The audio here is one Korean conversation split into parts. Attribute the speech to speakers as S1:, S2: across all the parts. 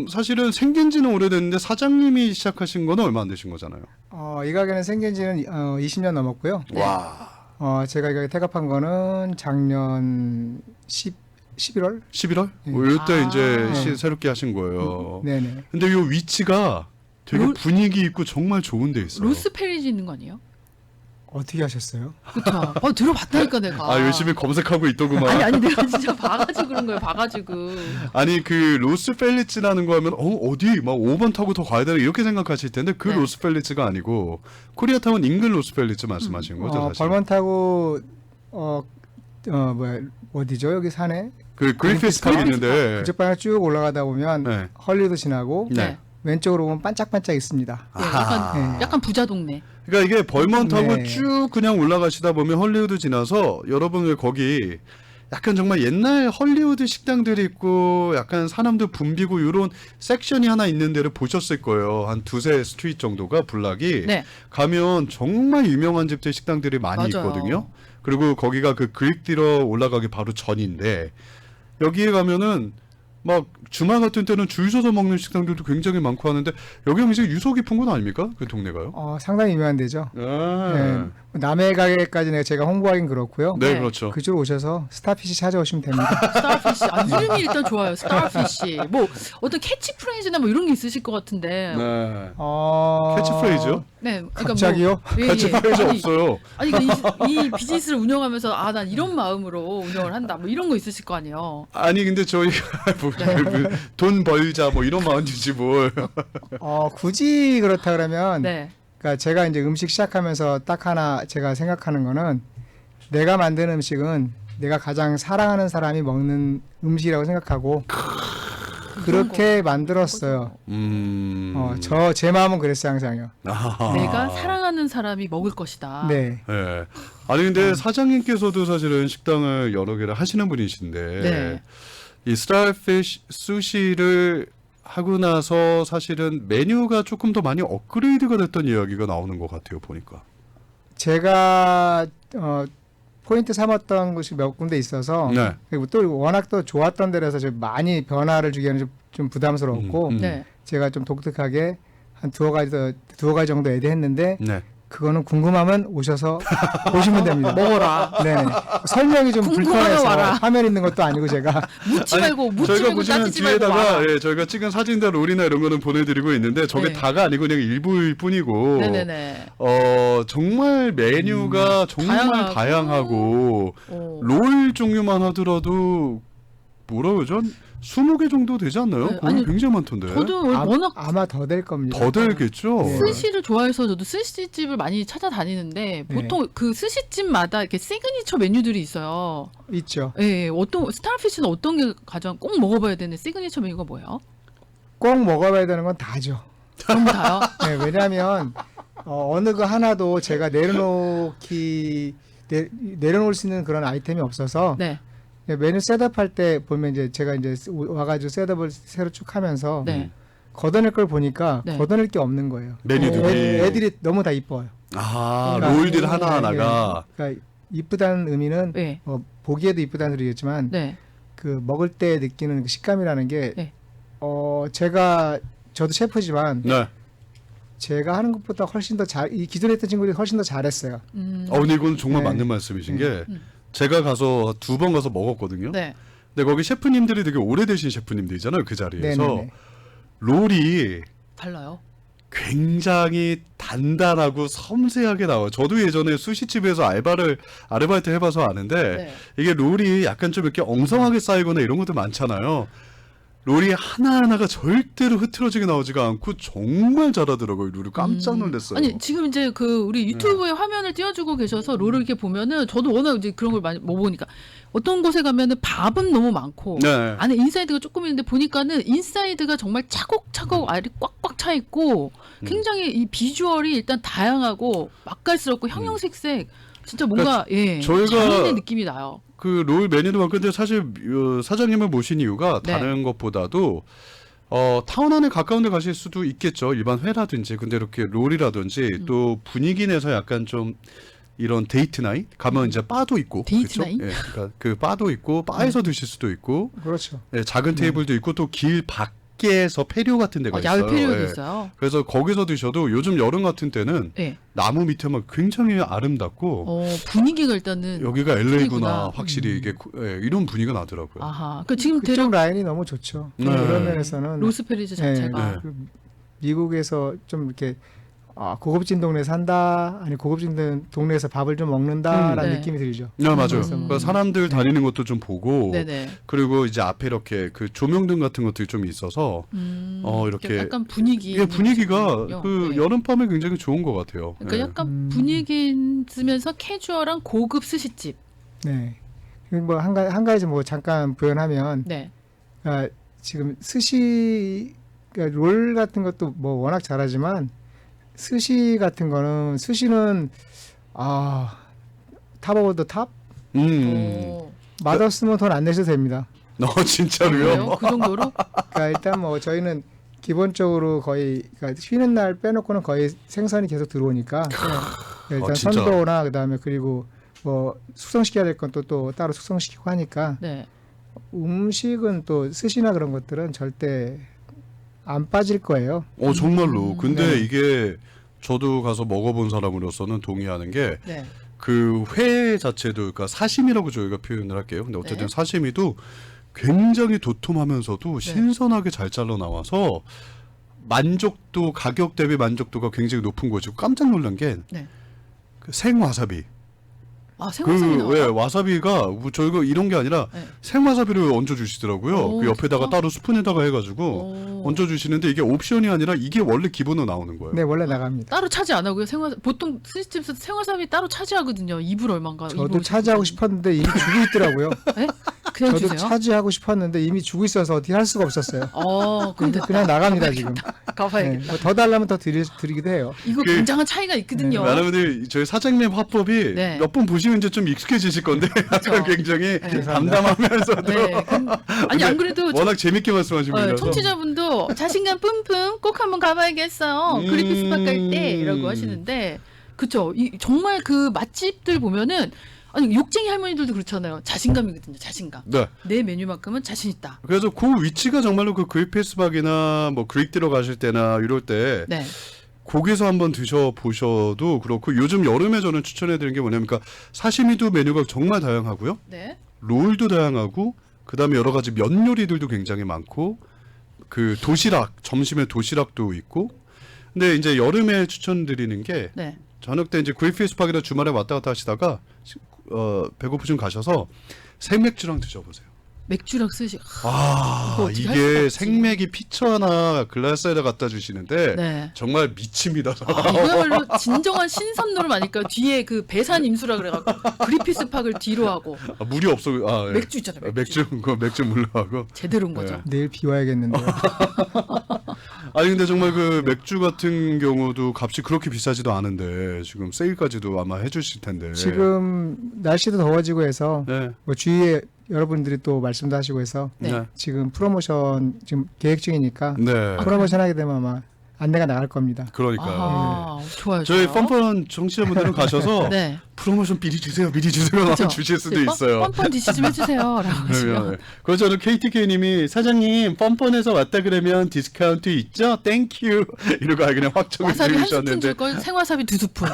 S1: 지금 사실은 생긴 지는 오래됐는데 사장님이 시작하신 거는 얼마 안 되신 거잖아요.
S2: 이 가게는 생긴 지는 20년 넘었고요.
S1: 와.
S2: 제가 이 가게 태갑한 거는 작년 11월?
S1: 11월?
S2: 네.
S1: 이때 이제
S2: 네.
S1: 새롭게 하신 거예요.
S2: 네네.
S1: 근데 이 위치가 되게 분위기 있고 정말 좋은 데 있어요.
S3: 로스페리지 있는 거 아니에요?
S2: 어떻게 하셨어요?
S3: 그쵸. 들어봤다니까 내가.
S1: 아, 열심히 검색하고 있더구만.
S3: 아니 내가 진짜 봐가지고 그런 거예요. 봐가지고.
S1: 아니 그 로스펠리츠라는 거 하면 어디 막 5번 타고 더 가야 되나 이렇게 생각하실 텐데 그
S3: 네.
S1: 로스펠리츠가 아니고 코리아타운 인근 로스펠리츠 말씀하시는 거죠, 사실.
S2: 벌먼 타고 어디죠? 여기 산에?
S1: 그 그리피스 파크 있는데.
S2: 그쪽 방향 쭉 올라가다 보면
S1: 네.
S2: 헐리우드 지나고
S1: 네.
S2: 왼쪽으로 보면 반짝반짝 있습니다.
S3: 네,
S1: 아하.
S3: 약간 부자 동네.
S1: 그러니까 이게 벌먼 타고
S2: 네.
S1: 쭉 그냥 올라가시다 보면 헐리우드 지나서 여러분 거기 약간 정말 옛날 헐리우드 식당들이 있고 약간 사람들 붐비고 이런 섹션이 하나 있는 데를 보셨을 거예요. 한 두세 스트리트 정도가 블락이
S3: 네.
S1: 가면 정말 유명한 집들 식당들이 많이
S3: 맞아요.
S1: 있거든요. 그리고 거기가 그 그릭디러 올라가기 바로 전인데 여기에 가면은 막 주말 같은 때는 줄 서서 먹는 식당들도 굉장히 많고 하는데 여기가 굉장히 유서 깊은 건 아닙니까? 그 동네가요?
S2: 상당히 유명한 데죠.
S1: 아.
S2: 남해 가게까지는 제가 홍보하긴 그렇고요.
S1: 네,
S3: 네.
S1: 그렇죠.
S2: 그쪽으로 오셔서 스타피시 찾아오시면 됩니다.
S3: 스타피쉬. 이름이 일단 좋아요. 스타피쉬. 뭐 어떤 캐치프레이즈나 뭐 이런 게 있으실 것 같은데.
S1: 네.
S2: 어...
S1: 캐치프레이즈요?
S3: 네. 그러니까
S2: 갑자기요?
S3: 예.
S1: 캐치프레이즈
S3: 아니,
S1: 없어요.
S3: 아니 그러니까 이 비즈니스를 운영하면서 난 이런 마음으로 운영을 한다. 뭐 이런 거 있으실 거 아니에요.
S1: 아니 근데 저희가 돈 벌자 뭐 이런 마음이지 뭘.
S2: 굳이 그렇다 그러면
S3: 네.
S2: 그러니까 제가 이제 음식 시작하면서 딱 하나 제가 생각하는 거는 내가 만든 음식은 내가 가장 사랑하는 사람이 먹는 음식이라고 생각하고 그렇게 만들었어요. 제 마음은 그랬어요 항상요.
S1: 아하.
S3: 내가 사랑하는 사람이 먹을 것이다.
S2: 네.
S1: 네. 아니 근데 사장님께서도 사실은 식당을 여러 개를 하시는 분이신데
S3: 네.
S1: 이 스타피쉬 수시를 하고 나서 사실은 메뉴가 조금 더 많이 업그레이드가 됐던 이야기가 나오는 것 같아요 보니까.
S2: 제가 포인트 삼았던 곳이 몇 군데 있어서
S1: 네.
S2: 그리고 또 워낙 또 좋았던 데라서 좀 많이 변화를 주기에는 좀 부담스러웠고
S3: 네.
S2: 제가 좀 독특하게 한 두어 가지 정도 애드했는데
S1: 네.
S2: 그거는 궁금하면 오셔서 보시면 됩니다.
S3: 먹어라.
S2: 네. 설명이 좀
S3: 궁금하면
S2: 불편해서
S3: 와라.
S2: 화면 있는 것도 아니고 제가
S3: 묻지 말고
S1: 저희가 보시면
S3: 따지지 말고
S1: 뒤에다가
S3: 와라.
S1: 저희가 찍은 사진들 롤이나 이런 거는 보내드리고 있는데 저게
S3: 네.
S1: 다가 아니고 그냥 일부일 뿐이고
S3: 네네네.
S1: 정말 메뉴가 정말 다양하고 롤 종류만 하더라도 뭐라 그러죠? 20개 정도 되지 않나요?
S3: 네,
S1: 그건
S3: 아니,
S1: 굉장히 많던데.
S3: 저도 워낙
S2: 아마 더 될 겁니다.
S1: 더 되겠죠?
S2: 네.
S3: 스시를 좋아해서 저도 스시집을 많이 찾아다니는데 보통 그 스시집마다 이렇게 시그니처 메뉴들이 있어요.
S2: 있죠.
S3: 예, 어떤 스타피쉬는 어떤 게 가장 꼭 먹어봐야 되는 시그니처 메뉴가 뭐예요?
S2: 꼭 먹어봐야 되는 건 다죠.
S3: 전부 다요?
S2: 네, 왜냐하면 어느 거 하나도 제가 내려놓을 수 있는 그런 아이템이 없어서
S3: 네.
S2: 메뉴 셋업할 때 보면 이제 제가 이제 와가지고 셋업을 새로 쭉 하면서
S3: 네.
S2: 걷어낼 걸 보니까
S3: 네.
S2: 걷어낼 게 없는 거예요.
S1: 메뉴들이.
S2: 애들이 너무 다 이뻐요.
S1: 아,
S2: 그러니까,
S1: 롤들 하나하나가.
S2: 그러니까 이쁘다는 의미는
S3: 네.
S2: 보기에도 이쁘다는 소리겠지만
S3: 네.
S2: 그 먹을 때 느끼는 그 식감이라는 게
S3: 네.
S2: 저도 셰프지만
S1: 네.
S2: 제가 하는 것보다 훨씬 더 이 기존에 했던 친구들이 훨씬 더 잘했어요.
S1: 근데 이건 정말
S2: 네.
S1: 맞는 말씀이신 게 제가 가서 2번 가서 먹었거든요.
S3: 네.
S1: 근데 거기 셰프님들이 되게 오래되신 셰프님들이잖아요. 그 자리에서.
S2: 네네네.
S1: 롤이
S3: 달라요.
S1: 굉장히 단단하고 섬세하게 나와요. 저도 예전에 수시집에서 아르바이트 해봐서 아는데
S3: 네.
S1: 이게 롤이 약간 좀 이렇게 엉성하게 쌓이거나 이런 것들 많잖아요. 롤이 하나하나가 절대로 흐트러지게 나오지가 않고 정말 잘하더라고요. 롤을 깜짝 놀랐어요.
S3: 아니 지금 이제 그 우리 유튜브에 화면을 띄워주고 계셔서 롤을 이렇게 보면은 저도 워낙 이제 그런 걸 많이 먹어보니까 어떤 곳에 가면은 밥은 너무 많고
S1: 네.
S3: 안에 인사이드가 조금 있는데 보니까는 인사이드가 정말 차곡차곡 알이 꽉꽉 차 있고 굉장히 이 비주얼이 일단 다양하고 맛깔스럽고 형형색색 진짜 뭔가
S1: 저희가
S3: 장인의 느낌이 나요.
S1: 그 롤 메뉴도 많고 근데 사실 사장님을 모신 이유가
S3: 네.
S1: 다른 것보다도 타운 안에 가까운 데 가실 수도 있겠죠. 일반 회라든지. 근데 이렇게 롤이라든지 또 분위기 내서 약간 좀 이런 데이트 나잇 가면 이제 바도 있고.
S3: 데이트
S1: 그렇죠?
S3: 나잇?
S1: 그러니까 그 바도 있고 바에서 드실 수도 있고
S2: 그렇죠.
S1: 작은 테이블도 있고 또 길 밖 밖에서 페리오 같은 데가 있어요.
S3: 야외 페리오도
S1: 예.
S3: 있어요.
S1: 그래서 거기서 드셔도 요즘 여름 같은 때는
S3: 네.
S1: 나무 밑에만 굉장히 아름답고
S3: 분위기가 일단은
S1: 여기가 LA구나
S3: 틀리구나.
S1: 확실히 이게 이런 분위기가 나더라고요.
S3: 아하. 그 지금
S2: 그쪽
S3: 대략
S2: 라인이 너무 좋죠.
S1: 네.
S2: 그런 면에서는
S3: 로스페리즈 자체가
S1: 네.
S2: 그 미국에서 좀 이렇게 고급진 동네 산다, 아니 고급진 동네에서 밥을 좀 먹는다라는
S3: 네.
S2: 느낌이 들죠.
S1: 네, 맞아요.
S2: 그래서
S1: 그러니까 사람들 다니는 것도 좀 보고
S3: 네네.
S1: 그리고 이제 앞에 이렇게 그 조명등 같은 것들이 좀 있어서 이렇게
S3: 약간 분위기.
S1: 이게 분위기가
S3: 있군요.
S1: 그
S3: 네.
S1: 여름밤에 굉장히 좋은 것 같아요.
S3: 그러니까
S1: 예.
S3: 약간 분위기 있으면서 캐주얼한 고급 스시집.
S2: 네. 한 가지 뭐 잠깐 부연하면
S3: 네.
S2: 지금 스시 그러니까 롤 같은 것도 뭐 워낙 잘하지만 스시는 탑 오브 더 탑?
S3: 오.
S2: 맛없으면 돈 안 내셔도 됩니다.
S1: 진짜로요?
S3: 그래요? 그 정도로?
S2: 그러니까 일단 뭐 저희는 기본적으로 거의 그러니까 쉬는 날 빼놓고는 거의 생선이 계속 들어오니까 일단
S1: 진짜.
S2: 선도나 그다음에 그리고 뭐 숙성시켜야 될 건 또 따로 숙성시키고 하니까
S3: 네.
S2: 음식은 또 스시나 그런 것들은 절대 안 빠질 거예요.
S1: 정말로. 근데
S2: 네.
S1: 이게 저도 가서 먹어본 사람으로서는 동의하는 게
S3: 네.
S1: 그 회 자체도 그러니까 사시미라고 저희가 표현을 할게요. 근데 어쨌든
S3: 네.
S1: 사시미도 굉장히 도톰하면서도 신선하게 잘 잘라 나와서 만족도 가격 대비 만족도가 굉장히 높은 거죠. 깜짝 놀란 게
S3: 네.
S1: 그 생와사비.
S3: 생와사비 나와요?
S1: 와사비가 저희가 이런 게 아니라
S3: 네.
S1: 생와사비를 얹어 주시더라고요.
S3: 오,
S1: 그 옆에다가
S3: 진짜?
S1: 따로 스푼에다가 해가지고
S3: 오.
S1: 얹어 주시는데 이게 옵션이 아니라 이게 원래 기본으로 나오는 거예요.
S2: 네, 원래 나갑니다.
S3: 따로 차지 안 하고요. 보통 스시집에서 생와사비 따로 차지하거든요. 2불 얼마인가.
S2: 저도 차지하고 싶었는데 이미 주고 있더라고요.
S3: 네? 그냥
S2: 저도
S3: 주세요.
S2: 차지하고 싶었는데 이미 주고 있어서 어떻게 할 수가 없었어요.
S3: 그럼 됐다.
S2: 그냥 나갑니다 지금. 네,
S3: 가봐야겠다.
S2: 뭐더 달라면 더 드리기도 해요.
S3: 이거
S1: 그-
S3: 굉장한 차이가 있거든요.
S1: 많은 분들이 저희 사장님 화법이
S3: 네.
S1: 몇 번 보시면 이제 좀 익숙해지실 건데 약간 굉장히
S3: 네.
S1: 담담하면서도
S3: 네. 아니 안 그래도
S1: 워낙 재밌게 말씀하신 분이라서
S3: 청취자분도 자신감 뿜뿜 꼭 한번 가봐야겠어요. 그리피스박 갈 때 이라고 하시는데 그쵸. 정말 그 맛집들 보면은 아니 욕쟁이 할머니들도 그렇잖아요. 자신감이거든요. 자신감.
S1: 네.
S3: 내 메뉴만큼은 자신 있다.
S1: 그래서 그 위치가 정말로 그 그리피스박이나 뭐 그릭 들어가실 때나 이럴 때
S3: 네.
S1: 거기서 한번 드셔보셔도 그렇고 요즘 여름에 저는 추천해드리는 게 뭐냐면 그러니까 사시미도 메뉴가 정말 다양하고요.
S3: 네.
S1: 롤도 다양하고 그다음에 여러 가지 면 요리들도 굉장히 많고 그 도시락 점심에 도시락도 있고 근데 이제 여름에 추천드리는 게
S3: 네.
S1: 저녁 때 이제 그리피스박이나 주말에 왔다 갔다 하시다가 배고프시면 가셔서 생맥주랑 드셔보세요.
S3: 맥주랑 스시. 그거 어떻게 할 수가
S1: 이게
S3: 없지.
S1: 생맥이 피처 하나 글라스에다 갖다 주시는데
S3: 네.
S1: 정말 미칩니다.
S3: 이거야말로 진정한 신선놀 아닐까요? 뒤에 그 배산 임수라 그래갖고 그리피스박을 뒤로 하고
S1: 물이 없어. 예.
S3: 맥주 있잖아요. 맥주.
S1: 맥주 물러하고.
S3: 제대로인 거죠.
S1: 네.
S2: 내일 비와야겠는데요.
S1: 아니 근데 정말 그 맥주 같은 경우도 값이 그렇게 비싸지도 않은데 지금 세일까지도 아마 해주실 텐데.
S2: 지금 날씨도 더워지고 해서
S1: 네.
S2: 뭐 주위에 여러분들이 또 말씀도 하시고 해서
S3: 네.
S2: 지금 프로모션 지금 계획 중이니까
S1: 네.
S2: 프로모션 하게 되면 아마 안내가 나갈 겁니다.
S1: 그러니까요.
S3: 아, 좋아요.
S1: 저희
S3: 좋아요.
S1: 뻔뻔 청취자분들은 가셔서
S3: 네.
S1: 프로모션 미리 주세요, 미리 주세요 하고
S3: 그쵸?
S1: 주실 수도
S3: 네,
S1: 있어요.
S3: 뻔뻔 디시 좀 해주세요라고 하시면.
S1: 그러면 그래서 저는 KTK님이 사장님 뻔뻔해서 왔다 그러면 디스카운트 있죠? 땡큐 이러고 그냥 확정을
S3: 와사비 한 스푼
S1: 해주셨는데
S3: 줄걸 생와사비 2스푼.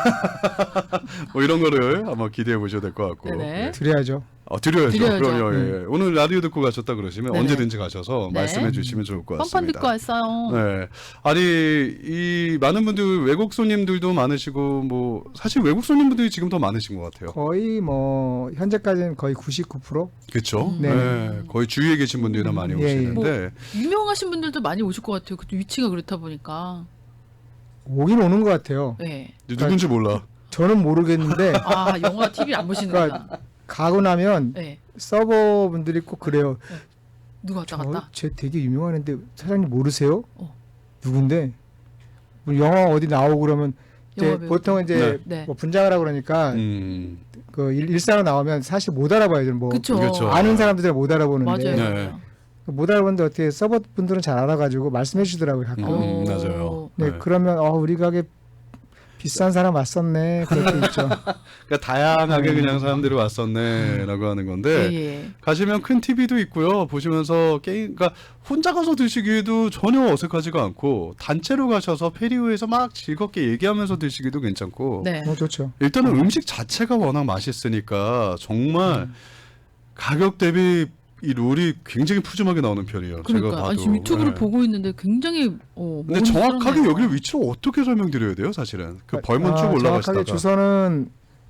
S1: 뭐 이런 거를 한번 기대해 보셔도 될 것 같고.
S3: 네네.
S2: 드려야죠.
S1: 드려야죠.
S3: 드려야죠.
S1: 그럼요. 예. 오늘 라디오 듣고 가셨다 그러시면
S3: 네네.
S1: 언제든지 가셔서
S3: 네.
S1: 말씀해 주시면 좋을 것
S3: 뻔뻔
S1: 같습니다.
S3: 듣고 왔어요.
S1: 네. 아니 이 많은 분들 외국 손님들도 많으시고 뭐 사실 외국 손님분들이 지금 더 많으신 것 같아요.
S2: 거의 뭐 현재까지는 거의 99%?
S1: 그렇죠.
S2: 네.
S1: 네. 거의 주위에 계신 분들이나 많이
S2: 예, 예.
S1: 오시는데
S3: 유명하신 분들도 많이 오실 것 같아요. 그 위치가 그렇다 보니까.
S2: 오긴 오는 것 같아요.
S3: 네.
S1: 누군지 몰라.
S2: 저는 모르겠는데
S3: 아 영화 TV 안 보시는구나.
S2: 가고 나면
S3: 네.
S2: 서버분들이 꼭 그래요.
S3: 누가 왔다 갔다.
S2: 쟤 되게 유명한데 사장님 모르세요?
S3: 어.
S2: 누군데? 뭐 영화 어디 나오고 그러면 이제
S3: 영화 배우.
S2: 보통 이제
S3: 네.
S2: 뭐 분장을 하고 그러니까 그 일상으로 나오면 사실 못 알아봐요. 뭐
S3: 그쵸.
S1: 그쵸.
S2: 아는 사람들은 못 알아보는데
S3: 맞아요.
S1: 네.
S2: 못 알아보는데 어떻게 서버분들은 잘 알아가지고 말씀해 주더라고요 가끔.
S3: 어.
S1: 맞아요.
S2: 네, 그러면 우리 가게 비싼 사람 왔었네. 그럴 때 있죠.
S1: 그러니까 다양하게 그냥 사람들이 왔었네라고 하는 건데
S3: 예, 예.
S1: 가시면 큰 TV도 있고요. 보시면서 게임, 그러니까 혼자 가서 드시기에도 전혀 어색하지가 않고 단체로 가셔서 페리우에서 막 즐겁게 얘기하면서 드시기도 괜찮고
S3: 네.
S2: 좋죠.
S1: 일단은 음식 자체가 워낙 맛있으니까 정말 가격 대비 이 롤이 굉장히 푸짐하게 나오는 편이에요. 제가
S3: 그러니까
S1: 봐도.
S3: 아니, 지금 유튜브를
S1: 네.
S3: 보고 있는데 굉장히
S1: 근데
S3: 먹을
S1: 정확하게
S3: 만하네요.
S1: 여기를 위치를 어떻게 설명드려야 돼요, 사실은? 그 벌먼 쭉 올라가시다가.
S2: 정확하게 주소는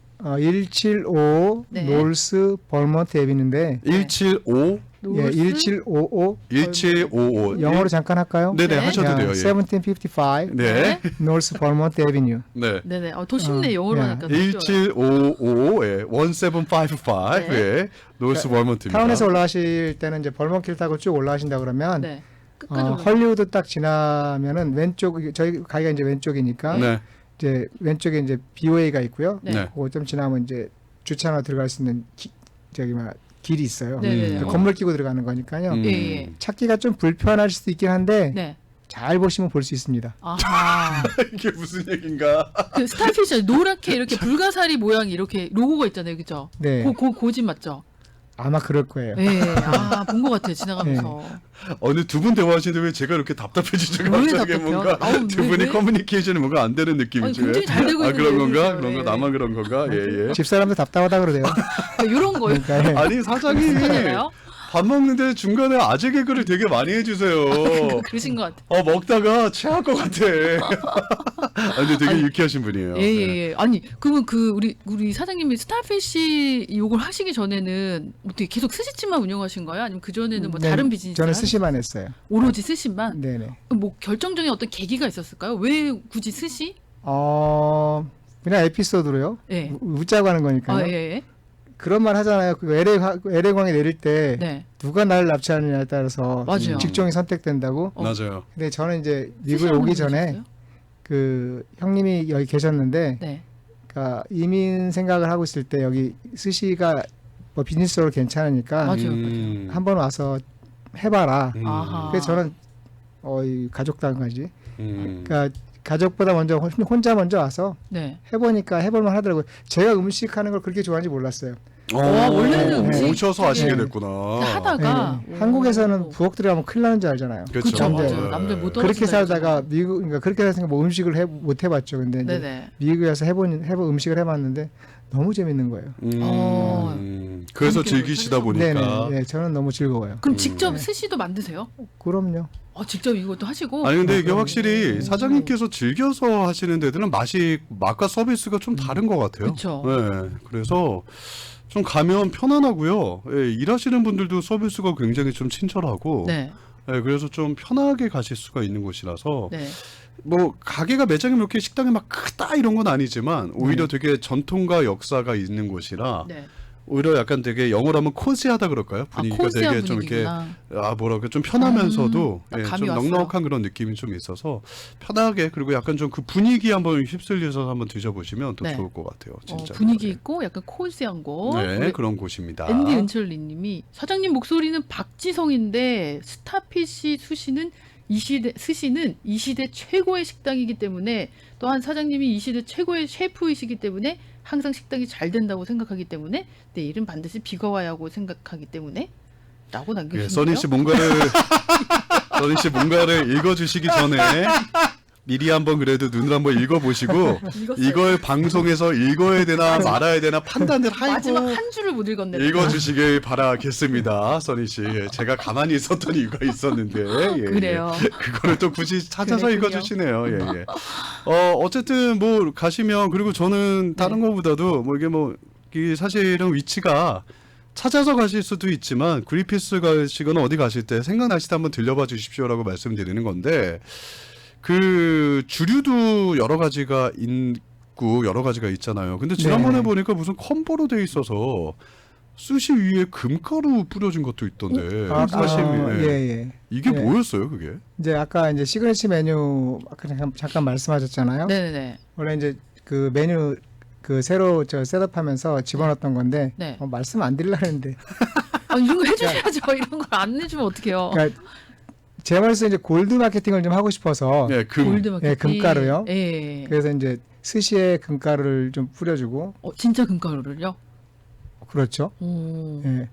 S2: 175
S3: 네.
S2: 롤스 벌먼트 앱인데
S1: 175
S2: 예, 1755
S1: 1755
S2: 영어로 잠깐 할까요?
S1: 네네
S3: 네.
S1: 하셔도 돼요. 예.
S2: 1755
S1: 네.
S2: 노스 벌먼트 에비뉴.
S1: 네.
S3: 네네. 더 쉽네. 영어로
S2: 예.
S3: 하니까. 더 쉬워요.
S1: 1755 예. 1755
S3: 네.
S1: 예. 노스 벌먼트입니다.
S2: 타운에서 올라가실 때는 이제 벌먼길 타고 쭉 올라가신다 그러면
S3: 네. 끝까지 올라가요.
S2: 헐리우드 딱 지나면은 왼쪽 저희 가게가 이제 왼쪽이니까
S1: 네.
S2: 이제 왼쪽에 이제 BOA가 있고요.
S3: 네.
S1: 네.
S2: 그거 좀 지나면 이제 주차로 들어갈 수 있는 길이 있어요.
S3: 네네네.
S2: 그 건물 끼고 들어가는 거니까요.
S1: 음.
S3: 예, 예.
S2: 찾기가 좀 불편할 수도 있긴 한데
S3: 네.
S2: 잘 보시면 볼 수 있습니다.
S3: 아하.
S1: 이게 무슨 얘기인가?
S3: 그 스타피쉬 노랗게 이렇게 불가사리 모양 이렇게 로고가 있잖아요. 그죠?
S2: 네.
S3: 고집 맞죠?
S2: 아마 그럴 거예요.
S3: 예. 본 것 같아요. 지나가면서.
S1: 어느 두 분 대화하시는데 왜 제가 이렇게 답답해지죠?
S3: 왜
S1: 갑자기
S3: 답답해요?
S1: 뭔가
S3: 아우,
S1: 두
S3: 왜,
S1: 분이
S3: 왜?
S1: 커뮤니케이션이 뭔가 안 되는 느낌이죠.
S3: 아니, 굉장히 잘 되고
S1: 아
S3: 있는데
S1: 그런
S3: 왜
S1: 건가?
S3: 그러세요?
S1: 그런 거
S3: 예.
S1: 나만 그런 건가? 예 예.
S2: 집사람도 답답하다 그러대요.
S3: 이런 거요.
S2: 그러니까 예.
S1: 아니 사장이
S3: 괜찮아요?
S1: 밥 먹는데 중간에 아재 개그를 되게 많이 해주세요.
S3: 그러신 것 같아요.
S1: 먹다가 체할 것 같아. 아, 근데 되게
S3: 아니,
S1: 유쾌하신 분이에요. 네.
S3: 예. 아니, 그러면 우리 사장님이 스타피쉬 이걸 하시기 전에는 어떻게 계속 스시집만 운영하신 거예요? 아니면 그 전에는 뭐
S2: 네,
S3: 다른 비즈니스?
S2: 저는 스시만 했어요.
S3: 오로지 스시만?
S2: 네네.
S3: 뭐 결정적인 어떤 계기가 있었을까요? 왜 굳이 스시?
S2: 그냥 에피소드로요.
S3: 예.
S2: 웃자고 하는 거니까요.
S3: 예.
S2: 그런 말 하잖아요. 그 LA광에 내릴 때
S3: 네.
S2: 누가 나를 납치하느냐에 따라서
S3: 맞아요.
S2: 직종이 선택된다고.
S1: 맞아요.
S2: 근데 저는 이제
S3: 스시
S2: 미국에 오기
S3: 한번
S2: 전에
S3: 해주세요.
S2: 그 형님이 여기 계셨는데
S3: 네.
S2: 그러니까 이민 생각을 하고 있을 때 여기 스시가 뭐 비즈니스로 괜찮으니까
S3: 맞아요.
S2: 한번 와서 해봐라.
S3: 아하.
S2: 그래서 저는 이 가족당까지.
S1: 음.
S2: 그러니까 가족보다 먼저 혼자 먼저 와서
S3: 네.
S2: 해보니까 해볼만 하더라고요. 제가 음식하는 걸 그렇게 좋아하는지 몰랐어요.
S3: 원래는
S2: 음식
S1: 오셔서 하시게
S2: 네.
S1: 됐구나.
S3: 하다가
S2: 네. 한국에서는 부엌 들어가면 큰일 나는 줄 알잖아요.
S3: 그렇죠.
S2: 근데
S3: 맞아요. 남들 못
S2: 그렇게
S3: 떨어진다
S2: 살다가
S3: 했죠.
S2: 미국, 그러니까 그렇게 살았으니까 뭐 음식을 못 해봤죠. 근데 이제
S3: 네네.
S2: 미국에 와서 음식을 해봤는데 너무 재밌는 거예요.
S1: 그래서
S3: 함께
S1: 즐기시다
S3: 하셨구나.
S1: 보니까.
S2: 네네. 네, 저는 너무 즐거워요.
S3: 그럼 직접
S2: 네.
S3: 스시도 만드세요?
S2: 그럼요.
S3: 직접 이것도 하시고?
S1: 아니 근데 이게 확실히
S3: 음.
S1: 사장님께서 즐겨서 하시는 데들은 맛과 서비스가 좀 다른 것 같아요.
S3: 그쵸.
S1: 네, 그래서 좀 가면 편안하고요. 예, 일하시는 분들도 서비스가 굉장히 좀 친절하고,
S3: 네.
S1: 예, 그래서 좀 편하게 가실 수가 있는 곳이라서
S3: 네.
S1: 뭐 가게가 매장이 이렇게 식당이 막 크다 이런 건 아니지만 오히려 되게 전통과 역사가 있는 곳이라
S3: 네.
S1: 오히려 약간 되게 영어로 하면 코지하다 그럴까요? 분위기가
S3: 코지아
S1: 되게 좀 이렇게
S3: 분위기구나.
S1: 뭐랄까 좀 편하면서도
S3: 딱
S1: 예,
S3: 감이
S1: 좀
S3: 왔어요.
S1: 넉넉한 그런 느낌이 좀 있어서 편하게 그리고 약간 좀 그 분위기 한번 휩쓸려서 한번 드셔보시면 더
S3: 네.
S1: 좋을 것 같아요. 진짜
S3: 분위기 있고 약간 코지한 곳.
S1: 네
S3: 우리
S1: 그런 곳입니다.
S3: 앤디 은철리님이 사장님 목소리는 박지성인데 스타피쉬 스시는 이 시대 최고의 식당이기 때문에 또한 사장님이 이 시대 최고의 셰프이시기 때문에 항상 식당이 잘 된다고 생각하기 때문에 내일은 반드시 비가 와야 하고 생각하기 때문에 라고
S1: 예,
S3: 남겨주시네요.
S1: 써니 씨 뭔가를 읽어주시기 전에 미리 한번 그래도 눈을 한번 읽어보시고
S3: 읽었어요.
S1: 이걸 방송에서 읽어야 되나 말아야 되나 판단을
S3: 마지막
S1: 하고
S3: 한 줄을 못 읽었네.
S1: 읽어주시길 바라겠습니다, 써니 씨. 예, 제가 가만히 있었던 이유가 있었는데 예,
S3: 그래요.
S1: 그거를 또 굳이 찾아서
S3: 그랬군요.
S1: 읽어주시네요. 예. 어쨌든 뭐 가시면 그리고 저는 다른
S3: 네.
S1: 거보다도 뭐 이게 사실은 위치가 찾아서 가실 수도 있지만 그리피스 가시거나 어디 가실 때 생각나실 때 한번 들려봐 주십시오라고 말씀드리는 건데 그 주류도 여러 가지가 있고 여러 가지가 있잖아요. 근데 지난번에
S2: 네.
S1: 보니까 무슨 컴보로 돼 있어서 수시 위에 금가루 뿌려진 것도 있던데 사실
S2: 예.
S1: 이게
S2: 네.
S1: 뭐였어요 그게?
S2: 이제 아까 이제 시그니처 메뉴 아까 잠깐 말씀하셨잖아요.
S3: 네네네.
S2: 원래 이제 그 메뉴 그 새로 셋업하면서 집어넣었던 건데
S3: 네.
S2: 말씀 안 드리려고 했는데
S3: 이런 거 해주셔야죠. 이런 걸 안 해주면 어떡해요.
S2: 그러니까 제 말씀 이제 골드 마케팅을 좀 하고 싶어서
S1: 네,
S3: 골드 마케팅.
S2: 금가루요.
S3: 예.
S2: 그래서 이제 스시에 금가루를 좀 뿌려주고
S3: 진짜 금가루를요?
S2: 그렇죠.
S3: 오.
S2: 예.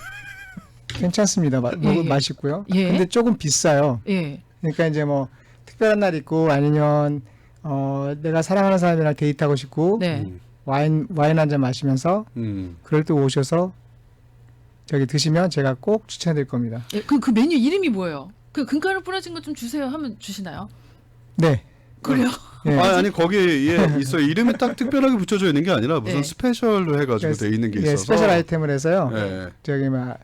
S2: 괜찮습니다.
S3: 예.
S2: 맛있고요.
S3: 예.
S2: 근데 조금 비싸요.
S3: 예.
S2: 그러니까 이제 뭐 특별한 날 있고 아니면 내가 사랑하는 사람이랑 데이트하고 싶고
S3: 네.
S2: 와인 한 잔 마시면서 그럴 때 오셔서 저기 드시면 제가 꼭 추천해드릴 겁니다.
S3: 예, 그 메뉴 이름이 뭐예요? 그 금가루 뿌려진 거 좀 주세요 하면 주시나요?
S2: 네.
S3: 그래요?
S2: 예.
S1: 아니 거기에 있어 이름이 딱 특별하게 붙여져 있는 게 아니라 무슨
S3: 네.
S1: 스페셜로 해가지고 돼 있는 게
S2: 예,
S1: 있어서
S2: 스페셜 아이템을 해서요.
S1: 예.
S2: 저기 막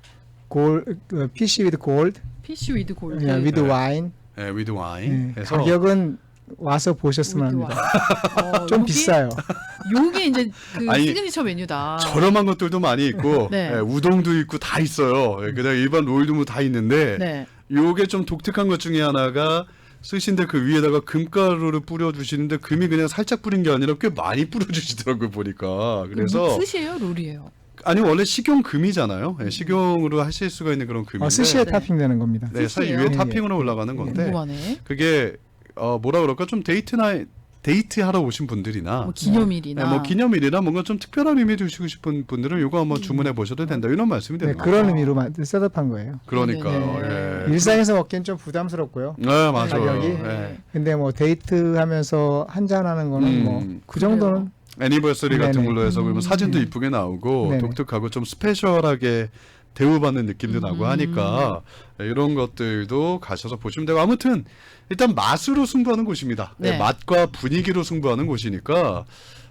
S2: PC with gold,
S3: 피쉬 위드 골드.
S2: with
S1: 네.
S2: wine.
S1: 예, 위드 와인
S2: 예,
S1: 해서
S2: 가격은 와서 보셨으면 합니다. 좀
S3: 요게-
S2: 비싸요.
S3: 요게 이제 그
S1: 아니,
S3: 시그니처 메뉴다.
S1: 저렴한 것들도 많이 있고
S3: 네.
S1: 예, 우동도 있고 다 있어요. 예, 그다음 일반 롤도 뭐 다 있는데
S3: 네.
S1: 요게 좀 독특한 것 중에 하나가 스시인데 그 위에다가 금가루를 뿌려주시는데 금이 그냥 살짝 뿌린 게 아니라 꽤 많이 뿌려주시더라고요 보니까. 그래서
S3: 스시예요, 롤이에요?
S1: 아니 원래 식용 금이잖아요. 예, 식용으로 하실 수가 있는 그런 금인데
S2: 스시에
S3: 네.
S2: 토핑되는 겁니다.
S1: 네, 사실
S3: 스시예요?
S1: 위에
S2: 예,
S1: 토핑으로 올라가는 건데
S3: 궁금하네.
S1: 그게 뭐라 그럴까 좀 데이트하러 오신 분들이나
S3: 뭐 기념일이나.
S1: 네, 뭐 기념일이나 뭔가 좀 특별한 의미 두시고 싶은 분들은 이거 한번 주문해 보셔도 된다 이런 말씀이
S2: 네,
S1: 되는 거죠.
S2: 그런 의미로 셋업한 거예요.
S1: 그러니까요.
S3: 네.
S1: 예.
S2: 일상에서 먹기엔 좀 부담스럽고요.
S1: 네, 맞아요.
S2: 가격이?
S1: 예.
S2: 근데 뭐 데이트하면서 한잔 하는 거는 뭐 그 정도는
S1: 애니버서리 같은
S2: 네네.
S1: 걸로 해서 그러면 사진도
S2: 네.
S1: 이쁘게 나오고
S2: 네네.
S1: 독특하고 좀 스페셜하게 대우받는 느낌도 나고 하니까 이런 것들도 가셔서 보시면 되고 아무튼 일단 맛으로 승부하는 곳입니다.
S3: 네.
S1: 네, 맛과 분위기로 승부하는 곳이니까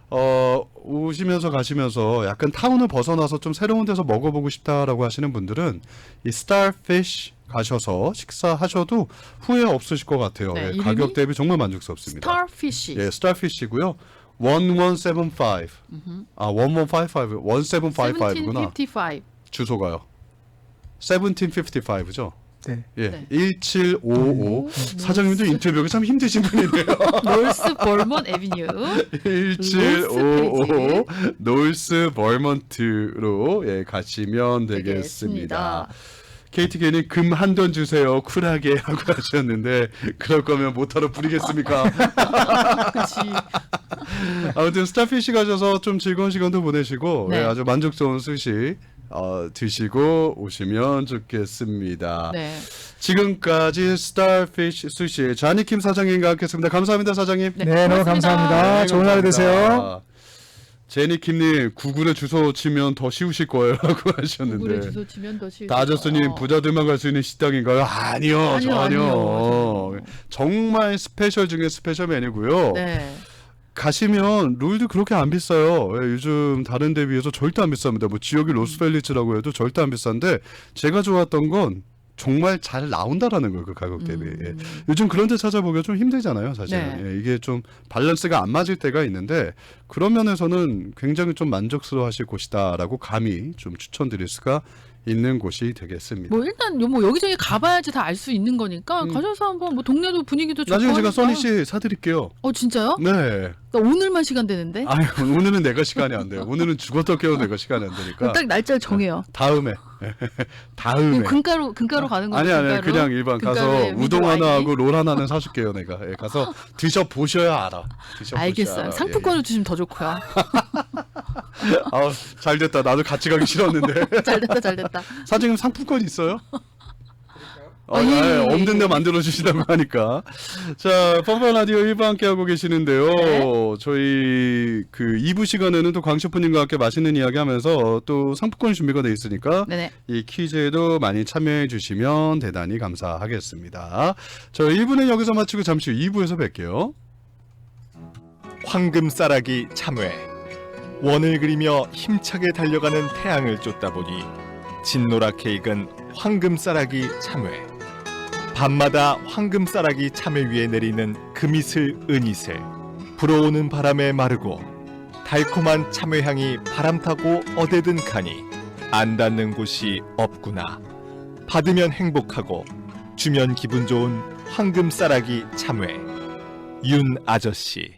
S1: 오시면서 가시면서 약간 타운을 벗어나서 좀 새로운 데서 먹어보고 싶다라고 하시는 분들은 이 Starfish 가셔서 식사하셔도 후회 없으실 것 같아요.
S3: 네,
S1: 예,
S3: 이름이
S1: 가격 대비 정말 만족스럽습니다.
S3: 스타피쉬.
S1: 예, Starfish이고요. 1175. 1155. 1755구나.
S3: 1755.
S1: 주소가요. 1755죠.
S2: 네.
S1: 예.
S3: 네.
S1: 1755. 사장님도 인터뷰가 참 힘드신 분이네요.
S3: 노스 볼먼 애비뉴.
S1: 1755 노스 벌먼트로 예, 가시면 되겠습니다. KTK님 금 한 돈 주세요. 쿨하게 하고 하셨는데 그럴 거면 모타로 부리겠습니까?
S3: 그렇지.
S1: 아무튼 스타피쉬 가셔서 좀 즐거운 시간도 보내시고
S3: 네.
S1: 예, 아주 만족스러운 스시 드시고 오시면 좋겠습니다.
S3: 네.
S1: 지금까지 스타피쉬 스시 자니킴 사장님과 함께했습니다. 감사합니다, 사장님.
S3: 네,
S2: 네, 너무
S3: 고맙습니다.
S2: 감사합니다. 좋은 하루 되세요.
S1: 제니킴님 구글에 주소 치면 더 쉬우실 거예요라고
S3: 구글에
S1: 하셨는데.
S3: 주소 치면 더 쉬울
S1: 다저스님 부자들만 갈 수 있는 식당인가요? 아니요,
S3: 아니요,
S1: 전혀.
S3: 아니요.
S1: 정말 스페셜 중에 스페셜 메뉴고요.
S3: 네.
S1: 가시면 롤도 그렇게 안 비싸요. 예, 요즘 다른 데 비해서 절대 안 비쌉니다. 뭐 지역이 로스펠리츠라고 해도 절대 안 비싼데 제가 좋았던 건 정말 잘 나온다라는 거예요. 그 가격 대비. 예. 요즘 그런 데 찾아보기가 좀 힘들잖아요. 사실.
S3: 네.
S1: 예, 이게 좀 밸런스가 안 맞을 때가 있는데 그런 면에서는 굉장히 좀 만족스러워 하실 곳이다라고 감히 좀 추천드릴 수가 있는 곳이 되겠습니다.
S3: 뭐 일단 뭐 여기저기 가봐야지 다 알 수 있는 거니까 가셔서 한번 뭐 동네도 분위기도 좋고
S1: 나중에 제가
S3: 하니까.
S1: 써니 씨 사드릴게요.
S3: 진짜요?
S1: 네.
S3: 나 오늘만 시간 되는데.
S1: 아유, 오늘은 내가 시간이 안 돼요. 오늘은 죽었다 깨워 내가 시간이 안 되니까.
S3: 딱 날짜를 정해요.
S1: 다음에. 다음에.
S3: 금가루 가는 거.
S1: 아니 그냥 일반 가서 우동 하나 하고 롤 하나는 사줄게요 내가. 예, 가서 드셔 보셔야 알아.
S3: 알겠어요. 상품권을 주시면 더 좋고요.
S1: 아우 잘 됐다. 나도 같이 가기 싫었는데.
S3: 잘 됐다.
S1: 사장님 상품권 있어요?
S3: 예.
S1: 없는 데 만들어 주시다고 하니까. 자, 펌펀 라디오 1부 함께 하고 계시는데요.
S3: 네.
S1: 저희 그 2부 시간에는 또 광셰프님과 함께 맛있는 이야기 하면서 또 상품권 준비가 돼 있으니까
S3: 네네.
S1: 이 퀴즈에도 많이 참여해 주시면 대단히 감사하겠습니다. 저 1부는 여기서 마치고 잠시 후 2부에서 뵐게요.
S4: 황금싸라기 참외. 원을 그리며 힘차게 달려가는 태양을 쫓다 보니 진노랗게 익은 황금싸라기 참외. 밤마다 황금싸라기 참외 위에 내리는 금이슬 은이슬. 불어오는 바람에 마르고 달콤한 참외향이 바람 타고 어디든 가니 안 닿는 곳이 없구나. 받으면 행복하고 주면 기분 좋은 황금싸라기 참외. 윤 아저씨.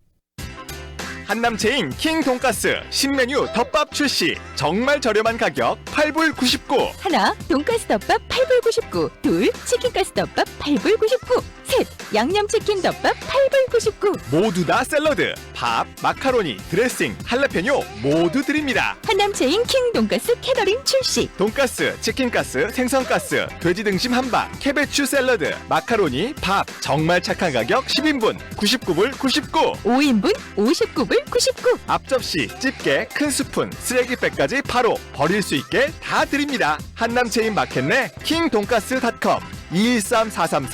S4: 한남 체인 킹 돈가스 신메뉴 덮밥 출시. 정말 저렴한 가격 8불 99.
S5: 하나, 돈가스 덮밥 8불 99. 둘, 치킨가스 덮밥 8불 99. 셋, 양념치킨 덮밥 8불 99.
S4: 모두 다 샐러드, 밥, 마카로니, 드레싱, 할라페뇨 모두 드립니다.
S5: 한남 체인 킹 돈가스 캐더링 출시.
S4: 돈가스, 치킨가스, 생선가스, 돼지 등심 한박, 캐베추 샐러드, 마카로니, 밥 정말 착한 가격 10인분 99불 99.
S5: 5인분 59불 99.
S4: 앞접시, 집게, 큰 스푼, 쓰레기백까지 바로 버릴 수 있게 다 드립니다. 한남 체인 마켓 내 킹돈가스닷컴 213433